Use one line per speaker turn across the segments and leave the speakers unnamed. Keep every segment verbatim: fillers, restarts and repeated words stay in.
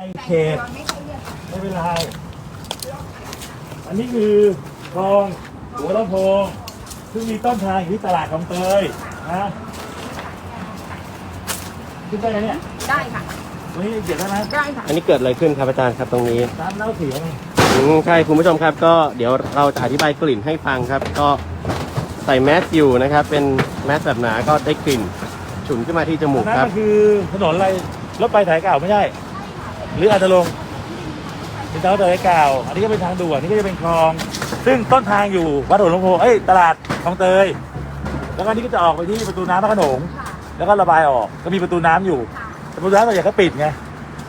เขตไม่เป็นไรอันนี้คือคลองหัวลำโพงซึ่งมีต้นทางอยู่ที่ตลาดคลองเตยนะขึ้นได้ไหมเนี่ย
ได้ค่ะ
ตรงนี้เกียรติได้ไหม
ได้ค่ะ
อันนี้เกิดอะไรขึ้นครับอาจารย์ครับตรงนี้
น้ำเน่าเสียไง
อืมใช่คุณผู้ชมครับก็เดี๋ยวเราจะอธิบายกลิ่นให้ฟังครับก็ใส่แมสอยู่นะครับเป็นแมสแบบหนาก็ได้กลิ่นฉุนขึ้นมาที่จมูกครับ
นั่นคือถนนอะไรรถไฟสายเก่าไม่ใช่หรืออาจจะลงเป็นทางรถไฟเก่าอันนี้ก็เป็นทางด่วนนี่ก็จะเป็นคลองซึ่งต้นทางอยู่วัดหัวลำโพงเอ้ยตลาดคลองเตยแล้วก็นี่ก็จะออกไปที่ประตูน้ำพระโขนงแล้วก็ระบายออกก็มีประตูน้ำอยู่ประตูน้ำตัวใหญ่ก็ปิดไง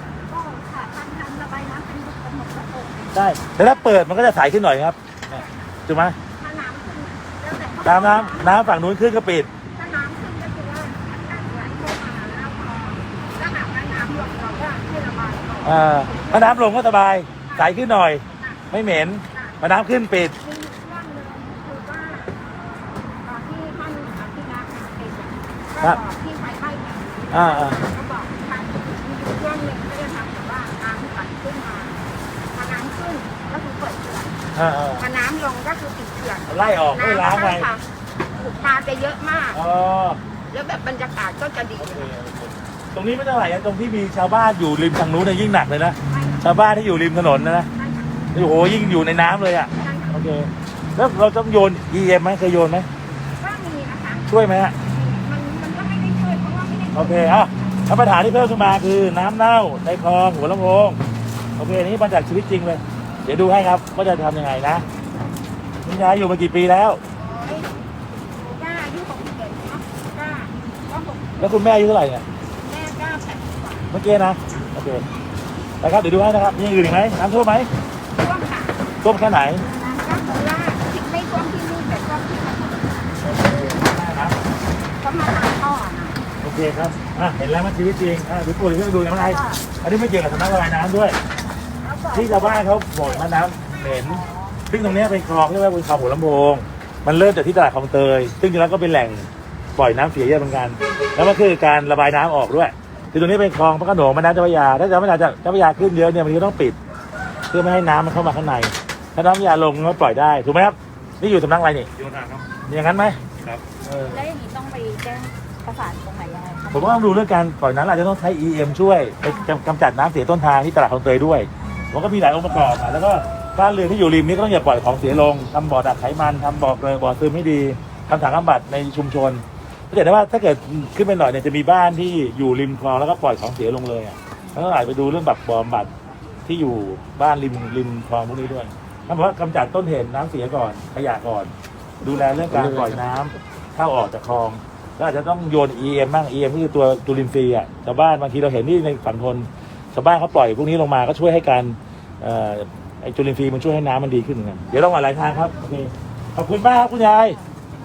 ได้แต่ถ้าเปิดมันก็จะใสขึ้นหน่อยครับถูกไหมน้ำน้ำน้ำฝั่งนู้นขึ้นก็ปิด
ถ้าน้ำขึ้นก็คือว่าอากาศไหลเข้ามาแล้วพอถ้าหากว่าน้ำลงเราก็ให้ระบายออก
อ่าถ้าน้ำลงก็สบายใสขึ้นหน่อยไม่เหม็นพอน้ำขึ้นปิด
มีอยู่ช่วงหนึ่งคือว่าตอนที่ท่านอภิรักษ์เป็นก็บอกที่ไฟไหม้เนี่ย
อ่าอ่า
ก็บอกทางมีอยู่ช่วงหนึ่งก็จะทำแบบว่าน้ำไหลขึ้นมาพอน้ำขึ้นก็คือเปิดเขื่อน
อ่าอ่า
พอน้ำลงก็คือปิดเขื่อน
ไล่ออกไม่ล้างไป
ปลาจะเยอะมาก
อ๋อ
แล้วแบบบรรยากาศก็จะดี
ตรงนี้ไม่เท่าไหร่ตรงที่มีชาวบ้านอยู่ริมทางนู้นเนี่ยยิ่งหนักเลยนะชาวบ้านที่อยู่ริมถนนนะนะโอ้โหยิ่งอยู่ในน้ำเลยอ่ะโอเคแล้วเราต้องโยน อี เอ็ม ไหมเคยโยนไหม
ก็มีนะคะ
ช่วยไหมฮะ
มันมันก็ไม่ได้ช่วยเพราะว่าไม่ได้
โอเคอ่ะแล้วปัญหาที่เพิ่มขึ้นมาคือน้ำเน่าในคลองหัวลำโพงโอเคนี้มาจากชีวิตจริงเลยเดี๋ยวดูให้ครับว่าจะทำยังไงนะคุณยายอยู่มากี่ปีแล้ว
ย่าอายุหกสิบเอ็ดเนาะก็ก็หก
แล้วคุณแม่อายุเท่าไหร่เนี่ย
แม่ก็แปดสิบกว่า
เมื่อกี้นะโอเคนะครับเดี๋ยวดูให้นะครับมีอย่างอื่นอีกไหมน้ำท่วมไหม
ท่วมค่ะ
ท่วมแค่ไหน
น้ำก็คือว่าที่ไม่ท่วมที่นี่แต่ท่วมที่มันก็มาทางท่อนะ
โอเคครับอ่ะเห็นแล้วมันชีวิตจริงอ่ะดูตัวเรื่องดูยังไงอันนี้ไม่เกี่ยวกับสำนักระบายน้ำด้วยที่ชาวบ้านเขาบ่นว่าน้ำเหม็นซึ่งตรงนี้เป็นคลองที่เรียกว่าเป็นคลองหัวลำโพงมันเริ่มจากที่ตลาดคลองเตยซึ่งจริงๆแล้วก็เป็นแหล่งปล่อยน้ำเสียเยอะเหมือนกันแล้วมันคือการระบายน้ำออกด้วยคือตรงนี้เป็นคลองพระโขนงแม่น้ำเจ้าพระยาถ้าเจ้าพระยาจะเจ้าพระยาขึ้นเยอะเนี่ยมันก็ต้องปิดเพื่อไม่ให้น้ำมันเข้ามาข้างในถ้าน้ำพระยาลงก็ปล่อยได้ถูกไหมครับนี่อยู่สำนักอะไรนี่
โยธาครับ
อย่างนั้นไหม
ครับ
แล้วอย่างนี้ต้องไปแจ้งประสานตรงไหนยังไง
ผมว่าต้องดูเรื่องการปล่อยน้ำอาจจะต้องใช้ อี เอ็ม ช่วยไปกำจัดน้ำเสียต้นทางที่ตลาดคลองเตยด้วยมันก็มีหลายองค์ประกอบแล้วก็บ้านเรือนที่อยู่ริมนี้ก็ต้องอย่าปล่อยของเสียลงทำบ่อดักไขมันทำบ่อเกลือบ่อซึมให้ดีทำถังบำบัดในชุมชนถ้าเกิดว่าถ้าเกิดขึ้นไปหน่อยเนี่ยจะมีบ้านที่อยู่ริมคลองแล้วก็ปล่อยของเสียลงเลยอ่ะแล้วก็อาจไปดูเรื่องแบบบ่อบำบัดที่อยู่บ้านริมริมคลองพวกนี้ด้วยถ้าบอกว่ากำจัดต้นเหตุน้ำเสียก่อนขยะก่อนดูแลเรื่องการปล่อยน้ำเข้าออกจากคลองแล้วอาจจะต้องโยน อี เอ็ม บ้าง อี เอ็ม ก็คือตัวจุลินทรีย์อ่ะชาวบ้านบางทีเราเห็นที่ในฝั่งทนชาวบ้านเขาปล่อยพวกนี้ลงมาก็ช่วยให้การไอ้จุลินทรีย์มันช่วยให้น้ำมันดีขึ้นกันเดี๋ยวต้องมาหลายทางครับโอเคขอบคุณมากครับคุณยาย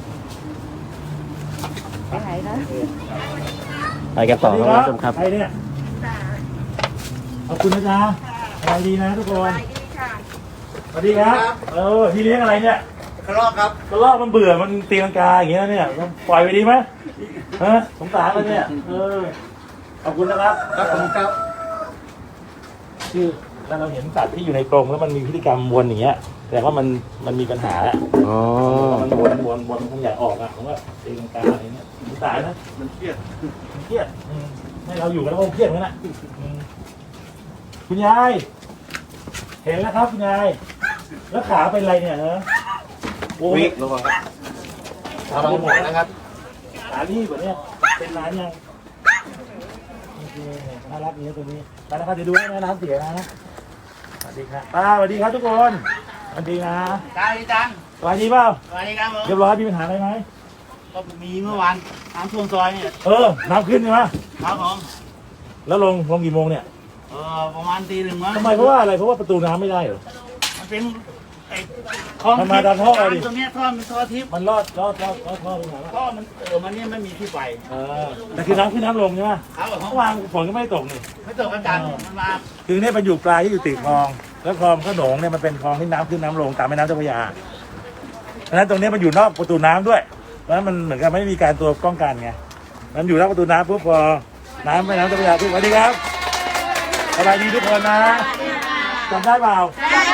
ไปไหนนะ
ไปกันต่อครับคุณผู้ชมครับ
ไปเนี่ยขอบคุณนะจ๊ะสบายดีนะทุกคนสวัสดีครับเออพี่เลี้ยงอะไรเนี่ย
กระรอกครับ
กระรอกมันเบื่อมันตีลังกาอย่างเงี้ยเนี่ยปล่อยไปดีไหมฮะสงสารมันเนี่ยเออขอบคุณนะครับ
ครับผมครับ
คือถ้าเราเห็นสัตว์ที่อยู่ในกรงแล้วมันมีพฤติกรรมวนอย่างเงี้ยแต่ว่ามันมันมีปัญหาแล้ว
อ๋อ
มันวนวนวนมันอยากออกอ่ะผมว่าตีลังกาอะไรเงี้ยสงสารนะ
มันเครียด
มันเครียดให้เราอยู่กันแล้วคงเครียดเหมือนกันนะคุณยายเห็นแล้วครับคุณยายแล้วขาเป็นอะไรเนี่ยฮะ
วิ่งลงมาครับทำอะไรหมดนะครับ
ขาลีบแบบเนี้ยเป็นร้านยังโอเคน่ารักนี้ตัวนี้ไปนะครับเดี๋ยวดูให้นะน้ำเสียนะสวัสดีครับป้าสวัสดีครับทุกคนสวัสดีนะ
ได้จัง
สวัสดีเปล่า
สวัสดีครับ
เรียบร้อยมีปัญหาอะไรไหม
ก็มีเมื่อวานน้ำท่วมซอยเนี่ย
เออน้ำขึ้นใช่ไหม
ครับผม
แล้วลงลงกี่โมงเนี่ย
เออประมาณตีหนึ่งมั้ง
ทำไมเพราะว่าอะไรเพราะว่าประตูน้ำไม่ได้เหรอ
มันเป็นไอ้
ท่อมาดันท่อดิ
ตรงนี้ท่อมันท่อทิพย์
มันรอดรอดรอดรอดท่อไปไหนวะ
ท่อมันเออมันนี่ไม่มีที่ไป
เออแต่คือน้ำขึ้นน้ำลงใช่ไหม
ครับผม
เมื่อวานฝนก็ไม่ตกนี่
ไม่ตกกันมันมา
คือเนี่ยมันอยู่ปลายที่อยู่ติดคลองแล้วคลองขนงเนี่ยมันเป็นคลองที่น้ำขึ้นน้ำลงตามแม่น้ำเจ้าพระยาเพราะฉะนั้นตรงนี้มันอยู่นอกประตูน้ำด้วยเพราะฉะนั้นมันเหมือนกับไม่มีการตัวป้องกันไงมันอยู่นอกประตูน้ำปุ๊บพอน้ำแม่น้ำเจ้าพระยาปุ๊บสวัสดีครับสบายดีทุกคนนะจำได้เปล่า
ได้